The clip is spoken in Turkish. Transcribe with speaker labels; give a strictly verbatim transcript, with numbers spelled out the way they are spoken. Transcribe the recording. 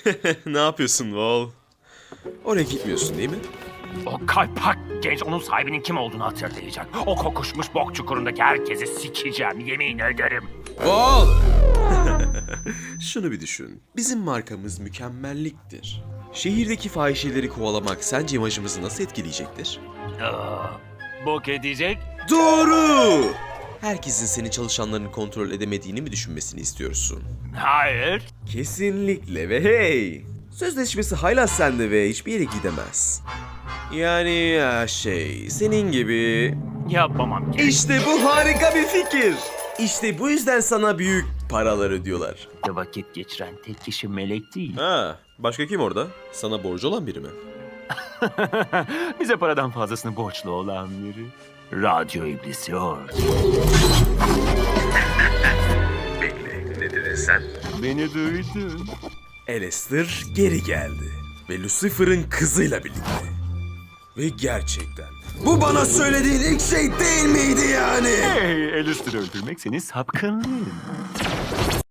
Speaker 1: Ne yapıyorsun Wall? Oraya gitmiyorsun değil mi?
Speaker 2: O kaypak genç onun sahibinin kim olduğunu hatırlayacak. O kokuşmuş bok çukurundaki herkesi sikeceğim, yemin ederim.
Speaker 1: Wall! Şunu bir düşün. Bizim markamız mükemmelliktir. Şehirdeki fahişeleri kovalamak sence imajımızı nasıl etkileyecektir?
Speaker 2: Aa, bok edecek.
Speaker 1: Doğru! Herkesin seni çalışanlarını kontrol edemediğini mi düşünmesini istiyorsun?
Speaker 2: Hayır.
Speaker 1: Kesinlikle ve hey! Sözleşmesi hala sende ve hiçbir yere gidemez. Yani ya şey, senin gibi...
Speaker 2: Yapamam ki.
Speaker 1: İşte bu harika bir fikir. İşte bu yüzden sana büyük paralar ödüyorlar.
Speaker 2: Vakit geçiren tek kişi melek değil.
Speaker 1: Ha, başka kim orada? Sana borcu olan biri mi?
Speaker 2: Bize paradan fazlasını borçlu olan biri. Radyo iblisi orada.
Speaker 1: Bekle, ne dedin sen?
Speaker 2: Beni duydun.
Speaker 1: Alistair geri geldi. Ve Lucifer'ın kızıyla birlikte. Ve gerçekten... Bu bana söylediğin ilk şey değil miydi yani?
Speaker 2: Hey, Alistair'ı öldürmek senin sapkınlığın.